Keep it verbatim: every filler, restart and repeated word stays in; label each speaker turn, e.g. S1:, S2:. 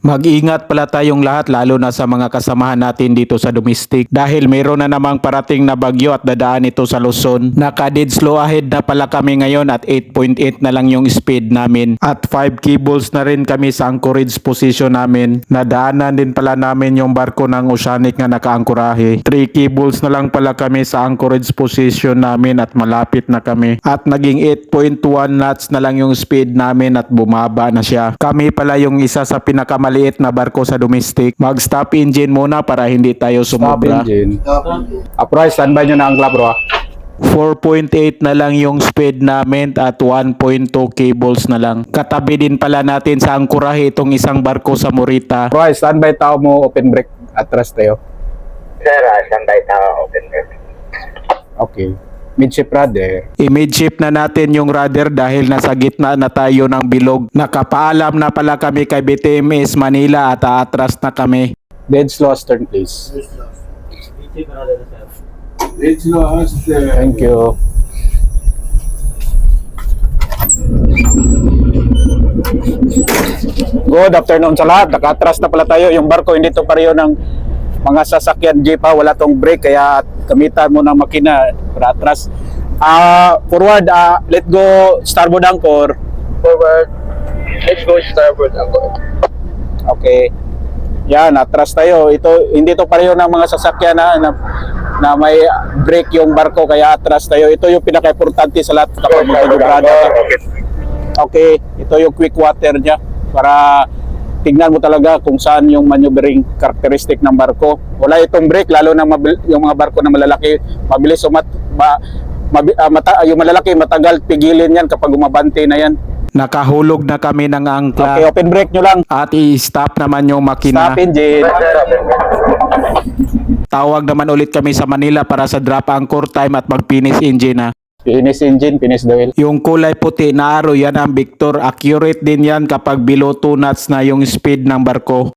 S1: Mag-ingat pala tayong lahat lalo na sa mga kasamahan natin dito sa domestic dahil mayroon na namang parating na bagyo at dadaan ito sa Luzon. Naka-dead slow ahead na pala kami ngayon at eight point eight na lang yung speed namin at five cables na rin kami sa anchorage position namin. Nadaanan din pala namin yung barko ng Oceanic na nakaangkorahe. three cables na lang pala kami sa anchorage position namin at malapit na kami at naging eight point one knots na lang yung speed namin at bumaba na siya. Kami pala yung isa sa pinakamaliit maliit na barko sa domestic. Mag-stop engine muna para hindi tayo sumobra.
S2: Stop engine. Approach, standby nyo na ang club, bro.
S1: four point eight na lang yung speed namin at one point two cables na lang. Katabi din pala natin sa angkurahe itong isang barko sa Morita.
S2: Approach, standby tao mo, open brake. Atras tayo.
S3: Sir, uh, standby tao, open brake.
S2: Okay. Midship rudder.
S1: I-midship na natin yung rudder dahil nasa gitna na tayo ng bilog. Nakapaalam na pala kami kay B T M S Manila at aatras na kami.
S2: Dead slow stern, please.
S3: Dead slow stern.
S2: Thank you. Good afternoon sa lahat. Nakatras na pala tayo. Yung barko hindi to pareho ng mga sasakyan jeep ha. Wala tong brake kaya gamitan mo ng makina para atras. Ah, forward, ah, let go starboard anchor.
S3: Forward. Let's go starboard ako.
S2: Okay. Yan, atras tayo. Ito hindi to pareho ng mga sasakyan na, na na may brake yung barko kaya atras tayo. Ito yung pinaka-importante sa lahat kapag magkagubrada. Okay, ito yung quick water niya para tignan mo talaga kung saan yung maneuvering characteristic ng barko. Wala itong brake, lalo na mabil, yung mga barko na malalaki, mabilis umat, ma, mabi, uh, mata, yung malalaki matagal pigilin yan kapag umabante na yan.
S1: Nakahulog na kami ng angkla.
S2: Okay, open brake nyo lang.
S1: At i-stop naman yung makina.
S2: Stop engine.
S1: Tawag naman ulit kami sa Manila para sa drop anchor time at mag-finish engine na.
S2: Finish engine, finish the wheel.
S1: Yung kulay puti na arrow, yan ang Victor. Accurate din yan kapag below two knots na yung speed ng barko.